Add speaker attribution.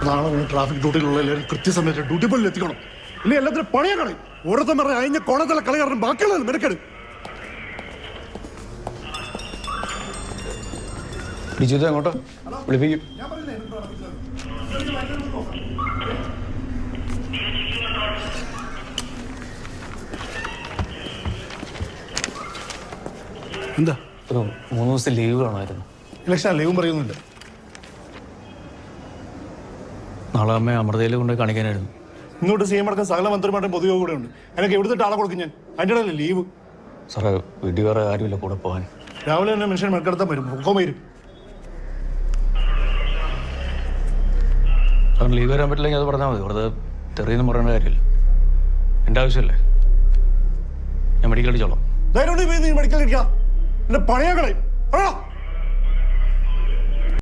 Speaker 1: നാളെ ട്രാഫിക് ഡ്യൂട്ടിയിലുള്ള എല്ലാവരും കൃത്യസമയത്ത് ഡ്യൂട്ടി പോലും എത്തിക്കണം. ഇനി എല്ലാത്തിനും പണിയാ കളി. ഓരോരുത്തം പറഞ്ഞ അയഞ്ഞ കോണത്തിലെ കളി കാരണം ബാക്കിയുള്ളത് മെനക്കെട്.
Speaker 2: അങ്ങോട്ടോ വിളിപ്പിക്കും.
Speaker 1: എന്താ
Speaker 2: ഒരു 3 ദിവസം ലീവ് കാണുമായിരുന്നു.
Speaker 1: ഇലക്ഷൻ ലീവും പറയുന്നില്ല.
Speaker 2: നാളെ അമ്മ അമൃതയിൽ കൊണ്ട് കാണിക്കാനായിരുന്നു.
Speaker 1: ഇങ്ങോട്ട് സി എം അടക്കം സകല മന്ത്രിമാരുടെയും പൊതുയോഗം കൂടെ ഉണ്ട്. എനിക്ക് എവിടുത്തെ ആളെ കൊടുക്കും ഞാൻ? അതിൻ്റെ ഇടയിലെ ലീവ്.
Speaker 2: സാറേ വീട്ടിൽ വേറെ ആരുമില്ല കൂടെ പോകാൻ.
Speaker 1: രാവിലെ തന്നെ മനുഷ്യൻ മെനക്കെടുത്താൻ വരും, പൊക്കം വരും.
Speaker 2: സാറിന് ലീവ് വരാൻ പറ്റില്ലെങ്കിൽ അത് പറഞ്ഞാൽ മതി. വെറുതെ തെറിയെന്ന് പറയേണ്ട കാര്യമില്ല. എൻ്റെ ആവശ്യമല്ലേ. ഞാൻ മെഡിക്കൽ അടിച്ചോളാം.
Speaker 1: ധൈര്യം മെഡിക്കൽ അടിക്കാം. എന്റെ പണിയാ കളയും.